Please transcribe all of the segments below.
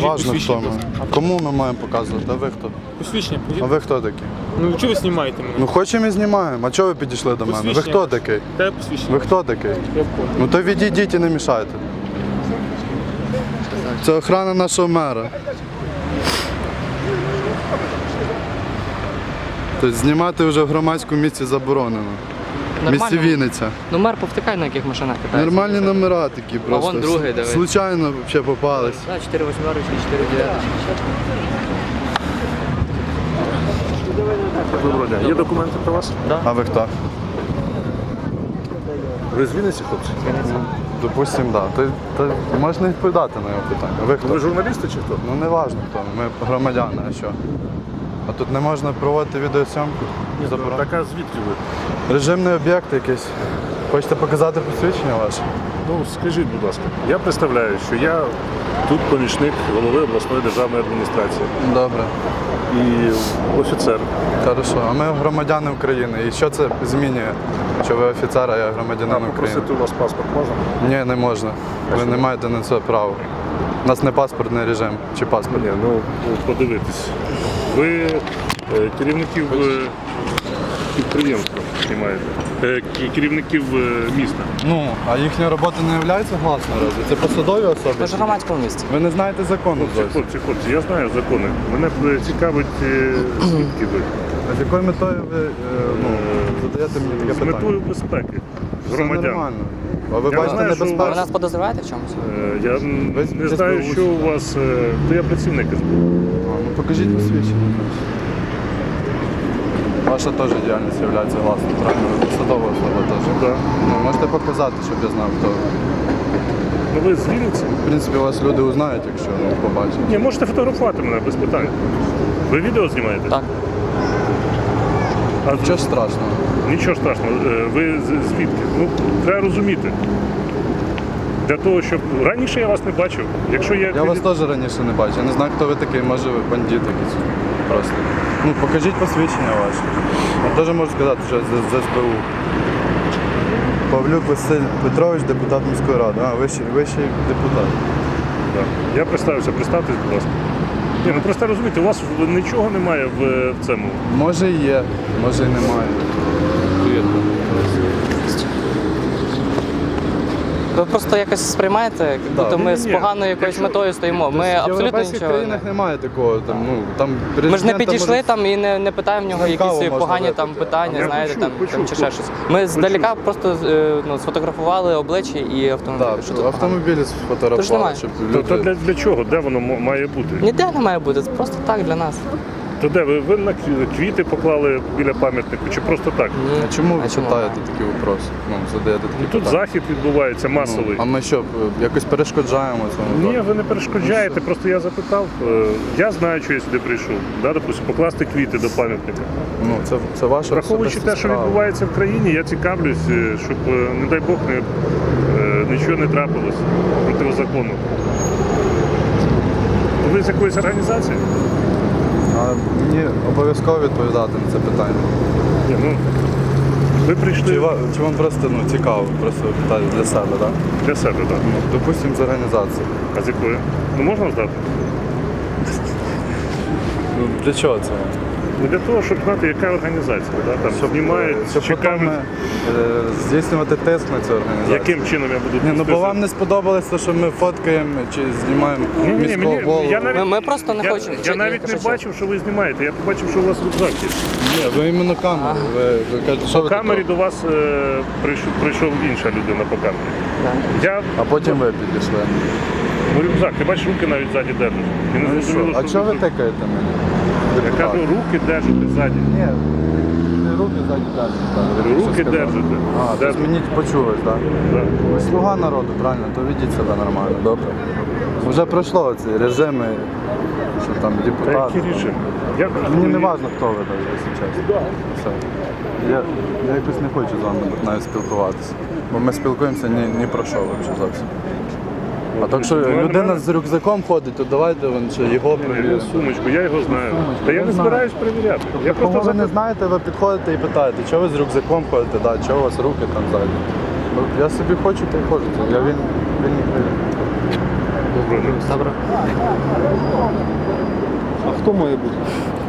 важно хто ми. Кому ми маємо показувати? А ви хто? Посвідчення. А ви хто такі? Ну чого ви знімаєте мене? Ну хочемо і знімаємо. А чого ви підійшли до мене? Ви хто такий? Де посвідчення? Ви хто такий? Я понял. Ну то відійдіть і не мішайте. Це охрана нашого мера. Тобто знімати вже в громадському місці заборонено. В місті Вінниця. Ну мер повтикає, на яких машинах катається. Нормальні номера такі просто. вон другий, дивись. Случайно взагалі попались. Так, 4 восьмерочки, 4 дев'яточки. Доброго дня. Є документи про вас? А ви хто? Ви з Вінниці, хлопці? Допустим, так. Да. То можна відповідати на його питання. А ви хто? Ви журналісти чи хто? Ну не важливо хто. Ми громадяни, а що? А тут не можна проводити відеосйомку? Заборонено. Так, а звідки ви? Режимний об'єкт якийсь. Хочете показати посвідчення ваше? Ну, скажіть, будь ласка. Я представляю, що я тут помічник голови обласної державної адміністрації Добре. і офіцер. Хорошо. А ми громадяни України. І що це змінює? Що ви офіцер, а я громадянин України? Попросити у вас паспорт можна? Ні, не можна. Ви не маєте на це права. У нас не паспортний режим чи паспорт. Ні, ну подивитись. Ви керівників підприємства знімаєте, керівників міста. Ну, а їхня робота не є гласною разве? Це посадові особи? Ви ж в громадському місці. Ви не знаєте закону зовсім. Хлопці, я знаю закони. Мене цікавить, звідки ви. А з якою метою ви задаєте мені таке З питання? метою безпеки Все громадян. нормально. А ви Я бачите знаю, що Ви небезпеку? нас подозріваєте в чомусь? Я не знаю, СБУ. що у вас. То я працівник СБУ. Ну покажіть посвідчення. Ваша теж діяльність є гласною, правильно? Ви посадова особа теж. Да. Ну, можете показати, щоб я знав, хто ви. Ну ви з Вінниці? В принципі, вас люди узнають, якщо побачать. Ні, можете фотографувати мене без питань. Ви відео знімаєте? Так. А Нічого ж страшного. Нічого страшного. Ви звідки? Ну, треба розуміти. Для того, щоб раніше я вас не бачив. Якщо Я вас теж раніше не бачив. Я не знаю, хто ви такий, може ви бандит якийсь. Просто. Ну, покажіть посвідчення ваше. Я теж можу сказати, що з СБУ. Павлюк Василь Петрович, депутат міської ради. А, вищий депутат. Да. Я представився, представтесь, будь ласка. Ні, ну просто розумієте, у вас нічого немає в цьому. Може і є, може і немає. Ви просто якось сприймаєте, як будто ми з Ні, поганою якоюсь метою стоїмо. Ми В абсолютно європейських нічого. країнах немає такого. Там Ми ж не підійшли там і не питаємо в нього На каву якісь можна погані випити. там питання, Я знаєте, почув, там чи ще щось. Ми здалека просто сфотографували обличчя і автомобіль. Так, Що тут погано? автомобілі Тож сфотографували, немає. щоб То люди... для чого? Де воно має бути? Ніде не має бути, це просто так для нас. То де? Ви на квіти поклали біля пам'ятнику чи просто так? Ні. А чому ви А чому? питаєте такі вопроси? Ну, задаєте такі Тут питання? захід відбувається масовий. А ми що, якось перешкоджаємо цьому? Ні, ви не перешкоджаєте, просто я запитав. Я знаю, що я сюди прийшов. Да, допустим, покласти квіти до пам'ятника. Ну, це ваша Враховуючи особиста те, що справа. відбувається в країні, я цікавлюсь, щоб, не дай Бог, нічого не трапилось протизаконно. Ви з якоїсь організації? А мені обов'язково відповідати на це питання. Ні, ну, ви прийшли Чи вам просто цікаво, просто питати для себе, так? для себе, так? Допустимо, з організації. А з якої? Ну можна здати? Ну, для чого це вам? Ну, для того, щоб знати, яка організація. Да? Там знімають, Щоб потім цікавлять, здійснювати тиск на цю організацію. яким чином я буду Ні, ну бо тиснути. вам не сподобалося, що ми фоткаємо чи знімаємо міського голову. я навіть, Ми просто не хочемо. Я Ні, навіть кажи, не що? бачив, що ви знімаєте. Я побачив, що у вас рюкзак є. Ні, ви іменно камеру. Ви кажете, що По ви камері таке? до вас прийшов інша людина по камері. Я А потім ви підійшли. ну, рюкзак, ти бачиш, руки навіть ззаді держиш. І не Ну і зрозуміло, що? А що чого ви тут. тикаєте мене? Я кажу, руки держите ззаді. Ні, руки ззаді держите. Руки держите. А, тобто Держите. мені почулось, так? Да. Ви слуга народу, правильно, то ведіть себе нормально, добре. Вже пройшло ці режими, що там Та депутати. які рішення? Мені не важливо, хто ви, так, якщо чесно. Все. Я якось не хочу з вами навіть спілкуватися. Бо ми спілкуємося ні про що взагалі зовсім. А так що людина з рюкзаком ходить, то давайте вон ще його перевіримо. Сумочку, я його знаю. Та я не знаю. збираюсь перевіряти. Я Кого просто ви не знаєте, ви підходите і питаєте, чого ви з рюкзаком ходите, да, чого у вас руки там ззаді. Ну, я собі хочу, та й ходжу. Я він Добре. Добре. А хто має бути?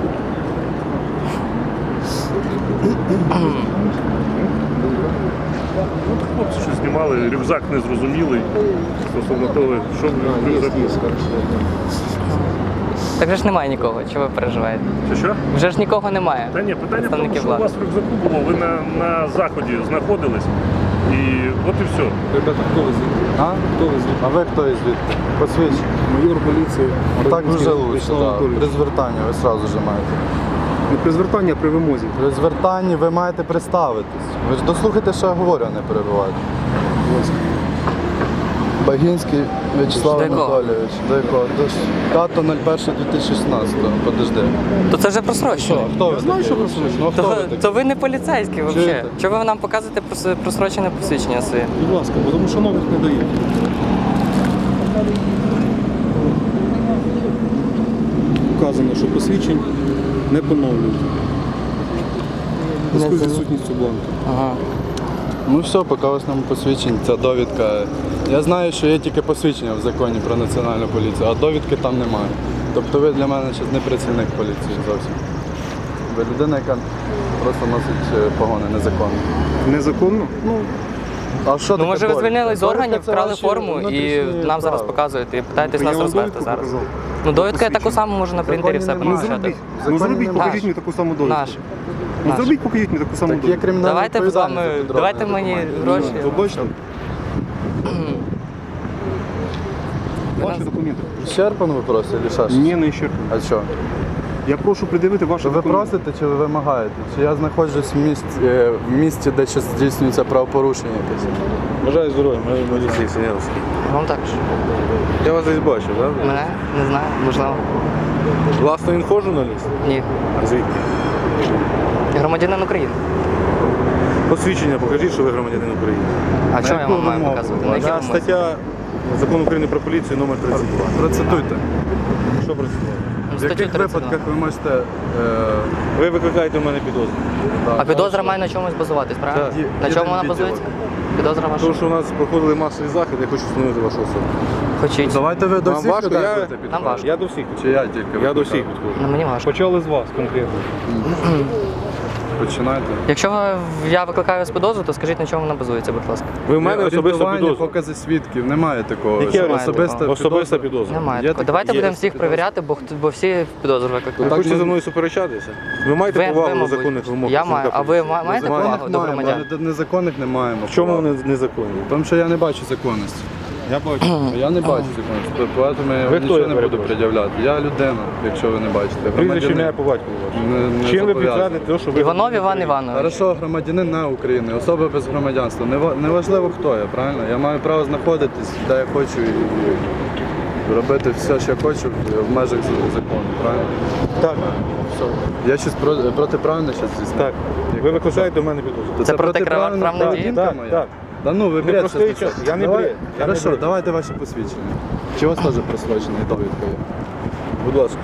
Хлопці, що знімали, рюкзак незрозумілий стосовно того, що в рюкзаку. Так вже ж немає нікого, чого ви переживаєте? Що? Вже ж нікого немає. Та ні, питання в тому, Представників що у влади. вас в рюкзаку було, ви на заході знаходились, і от і все. Ребята, хто ви звідти? А? Хто ви звідти? А ви хто із звідти? Посвідчення. Майор поліції. Так Радянський вже лучше, Вячеслав так. Анатолійович. При звертанні ви одразу ж маєте. Не при звертанні, а при вимозі. При звертанні ви маєте представитись. Ви ж дослухайте, що я говорю, а не перебивайте. Будь ласка. Багінський Вячеслав До якого? Анатолійович. До якого? До 5.01.2016. Подожди. То це вже просрочено. Хто ви знаю, такий? що просрочено. Ну, хто ви То такий? ви не поліцейські взагалі. Чуєте? Чого ви нам показуєте просрочене посвідчення своє? Будь ласка, бо тому що нових не дають. Вказано, що посвідчень не поновлюють. В зв'язку з відсутністю бланку. Ага. Ну все, поки у вас нам посвідчень, ця довідка. Я знаю, що є тільки посвідчення в законі про національну поліцію, а довідки там немає. Тобто ви для мене зараз не працівник поліції зовсім. Ви людина, яка просто носить погони незаконно. Незаконно? Ну, а що Ну таке може ви довідка? звільнили з Довідка органів, це вкрали ваші форму і внутрішні нам зараз справи. показуєте і питаєтесь Я нас вам розверти довідку зараз. показав. Ну довідка я таку саму можу на принтері все Законі немає. напечатати. В Ну законі зробіть, немає. покажіть мені таку саму довідку. Наш. Ну Наш. зробіть, покажіть мені таку саму Так є довідку. кримінальна Давайте з відповідальність вами, за підробні давайте мені документи. гроші. Ви бачите? Ваші документи. Щерпан ви просите, чи що? Ні, не ще. А що? Я прошу придивити ваші Ви документи. просите чи ви вимагаєте? Чи я знаходжусь в місті, де щось здійснюється правопорушення якесь? Бажаю здоров'я, мене Олексій Синявський. Вам також. Я вас десь бачив, так? Мене? Не знаю, можливо. Власне, інфо журналіст? Ні. А звідки? Громадянин України. Посвідчення покажіть, що ви громадянин України. А чого я яку вам маю вимогу? показувати? На якій Я вимозі? стаття Закону України про поліцію номер 32. Процитуйте. Що працювало? В Статтю яких 32. випадках ви можете... Ви викликаєте в мене підозру. А підозра має на чомусь базуватись, правильно? Так. На чому Єдиний вона відділок. базується? Підозра ваша? Тому що у нас проходили масові заходи, я хочу встановити вашу особу. Хочіть. Давайте ви до Вам всіх важко? людей Я- будете Нам підходити. важко. Я до всіх. Чи я тільки? Я до викликаю? всіх підходжу. Ну мені важко. Почали з вас конкретно. Починайте. Якщо я викликаю вас підозру, то скажіть, на чому вона базується, будь ласка. Ви в мене особисто Орієнтування, підозру. покази свідків, немає такого. Яке що ви Особиста підозра. Немає Є такого. таке? Давайте Є. будемо всіх перевіряти, бо всі підозру Ви викликають. Так, хочете ми- за мною суперечатися? Ви маєте повагу до мабуть. законних вимог? Я працівника маю. А ви поліції? маєте Маєте? повагу до маємо, громадян? але незаконних не маємо. В чому вони незаконні? Тому що я не бачу законності. Я бачу. Я не бачу законності, тому я Ви вам хто, нічого я не буду перепрошую? пред'являти. Я людина, якщо ви не бачите. Прізвище Громадянин. ім'я по батькові ваше. Не Чим ви зобов'язаний. підтвердите те, що ви Іванов громадянин Іван України? Іванович. Хорошо, громадянин на України, особа без громадянства. Неважливо хто я, правильно? Я маю право знаходитись, де я хочу і робити все, що я хочу в межах закону, правильно? Так, Я щось протиправне щось здійснив? так. Ви викликаєте в мене підозру. То Це протиправна протиправна дія? поведінка Так, моя? так. Да ну, ви бред простий щас час, несете. я не Давай- бред, я не Хорошо, бред. давайте ваші посвідчення. Чи у вас теж просрочений довідка є? Будь ласка.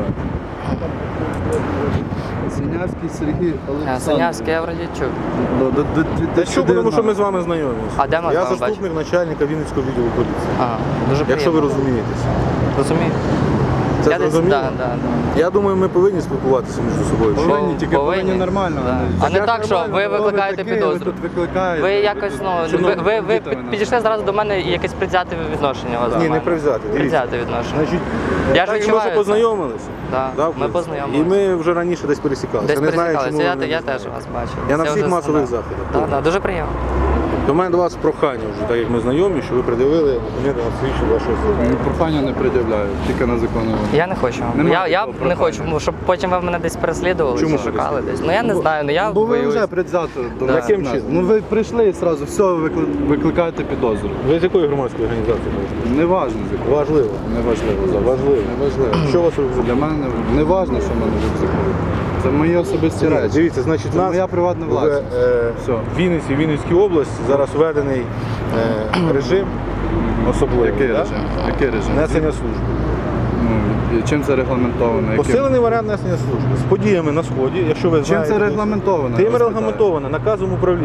Синявський Сергій Олександрович. Синявський, я вроді чув. Та що, тому що ми з вами знайомі. А де ми з Я вами заступник начальника Вінницького відділу поліції. Ага, дуже Якщо ви приємно. розумієтеся. Розумію. Це Я десь, зрозуміло? да. Я думаю, ми повинні спілкуватися між собою. Що? Повинні, тільки повинні нормально. Да. не- А не як так, що нормально? ви Хто викликаєте такий, підозру. Ви тут викликаєте. Ви якось, ви підійшли зараз до мене і якесь предвзяте відношення у вас. до Ні, не мене. привзяти. Дивіться. Предвзяте відношення. Значить, Я ж так, і ми відчуваю вже це. познайомилися. Да, Да, ми в принципі. познайомилися. І ми вже раніше десь пересікалися. Десь Я не знаю, пересікалися, чому ви я не теж знаєте. вас бачив. Я на Це всіх вже масових знаю. заходах. Так, дуже приємно. До мене до вас прохання вже, так як ми знайомі, що ви придивили документи на свідчення вашої особи. Прохання не пред'являю, тільки на законну. Я не хочу. Немає Я такого не хочу, прохання. щоб потім ви мене десь переслідували Чому чи шукали десь. Ну я не знаю, ну я Бо ви боюсь. вже предвзято до Да. нас. Яким чином? Ну ви прийшли і одразу, все, ви викликаєте підозру. Ви з якої громадської організації можете? Неважно, з якого. Важливо. Неважливо. зараз. Важливо. Неважливо. Що у вас рюкзак? Для мене не важливо, що в мене в рюкзаку. Це мої особисті речі. Дивіться, значить, Це нас моя приватна в власність. Все. Вінниці, Вінницькій області зараз введений режим особливий. Який да? режим? Який режим? Несення служби. Ну, і чим це регламентовано? Яким? Посилений варіант несення служби. З подіями на Сході, якщо ви Чим знаєте. це регламентовано? Тим я вас регламентовано наказом управління. питаю?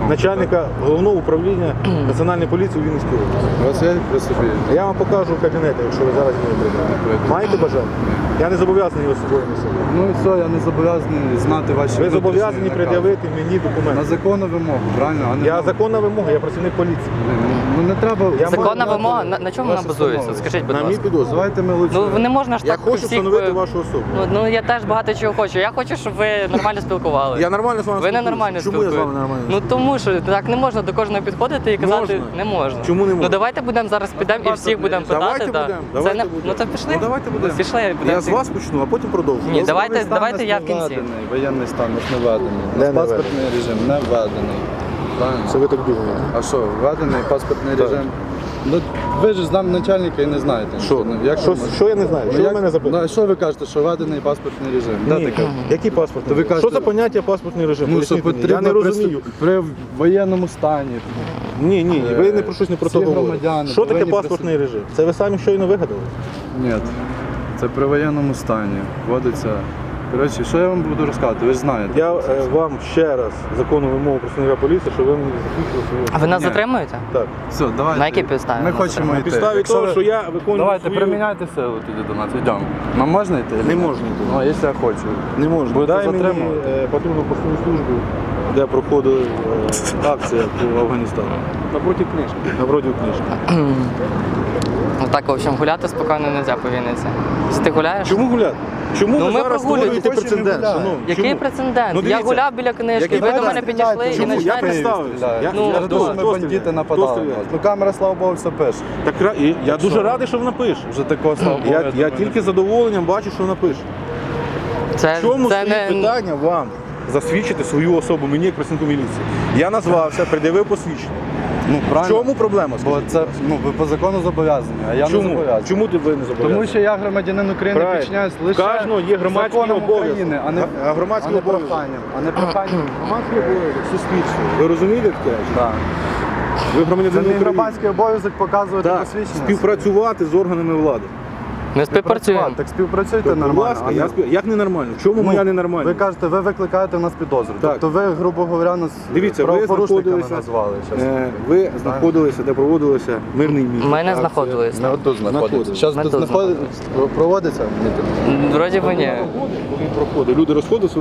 начальника головного управління Національної поліції у Вінницькій області. У вас є при собі? Я вам покажу кабінети, якщо ви зараз не прийдете. Маєте бажання? Я не зобов'язаний його з собою носити. Ну і все, я не зобов'язаний знати ваші Ви зобов'язані внутрішні пред'явити мені накази. На документи. законну вимогу, правильно? А не Я на- законна вимога, я працівник поліції. Ну не треба... Я Законна маю вимога, на чому вона Ваше базується? становище. Скажіть, будь На мій ласка. підозру. Давайте ми лучше... Ну не можна ж Я так хочу всіх... встановити вашу особу. Ну я теж багато чого хочу. Я хочу, щоб ви нормально спілкувалися. Я нормально з вами Ви не спілкуюся. нормально Чому я з вами спілкуєтесь? нормально Ну тому що так не можна до кожного підходити і казати, Можна. не можна. Чому не можна? Ну давайте будемо зараз підемо і всіх будемо питати. Давайте да. будемо, Це давайте не... будемо. Ну то пішли. Ну давайте будемо. Пішли, будемо Я з всіх. вас почну, а потім продовжу. Ні, Добре? давайте Воєнний я стан в кінці. не введений, воєнний стан у нас не введений. У Де нас не паспортний режим не введений. Правильно? Це ви так думаєте. А що, введений паспортний Так. режим? Ну, ви ж з нами начальника і не знаєте. Що? Ну, як Що, ви можете? що я не знаю? Ну, Що ви як- мене запитуєте? Ну, а що ви кажете, що введений паспортний режим? Де Ні, таке? який паспортний То ви режим? кажете- Що за поняття паспортний режим? Ну, що Поясніть мені. потрібно Я не розумію. при воєнному стані. Ні, ви не про щось не про Всі то говорите. громадяни Що таке повинні паспортний режим? Це ви самі щойно вигадали? Ні, це при воєнному стані. Вводиться. Коротше, що я вам буду розказувати, ви ж знаєте. Я вам ще раз законну вимогу працівника поліції, щоб ви мені закінчили свою. А ви нас Ні. затримуєте? Так. Все, давайте. На якій підставі Ми нас хочемо затримали? йти. На підставі Якщо того, ви- що я виконую Давайте, свою... приміняйте силу тоді до нас. Йдемо. Нам можна йти? Не можна йти. Ну, а якщо я хочу. Не можна. Будете Дай мені затримувати? патрульну постову службу, де проходила акція по Афганістану. Напроти книжки. Напроти книжки. Так, в общем, гуляти спокійно не можна по Вінниці. Ти гуляєш? Чому гуляти? Чому Ну, ви ми зараз прогулюємо, створюєте хочемо прецедент? гуляти. шановні? Який Чому? прецедент? Ну, Я дивіться, гуляв біля книжки, який ви до мене прецедент? підійшли і Чому? Я починаєте... представився. Ну, Я хто? думаю, що ми Хто бандити стріляє? нападали. Хто на стріляє? нас. Ну камера, слава Богу, все пише. Так, я дуже радий, що вона пише. Вже такого, слава Богу. Я думаю, тільки з задоволенням бачу, що вона пише. Це, В чому це стоїть не... питання вам засвідчити свою особу мені як працівнику міліції? Я назвався, пред'явив посвідчення. Ну, В правильно. чому проблема? Бо це, ну, ви по закону зобов'язані, а я не Чому? зобов'язаний. Чому ти ви не зобов'язані? Тому що я громадянин України, Правильно. підчиняюсь лише Кожного є громадський законам обов'язок. України, а не, А громадський а не обов'язок? проханням. А не проханням. Громадський обов'язок суспільства. Ви розумієте таке? Так. Ви Це громадянин мій України. громадський обов'язок показувати Так, посвідчення. співпрацювати з органами влади. Ми співпрацюємо. Так співпрацюйте Будь нормально. ласка, а не- як ненормально? В чому моя Ви ненормальність? кажете, ви викликаєте в нас підозру. Так. Тобто ви, грубо говоря, нас Дивіться, ви правопорушниками знаходилися, назвали. щас. ви знаходилися, де проводилося мирний мітинг. Ми не знаходились. Ми отут знаходимося. Зараз Ми тут тут проводиться мітинг? Вроді би ні. Коли проходить, люди розходилися,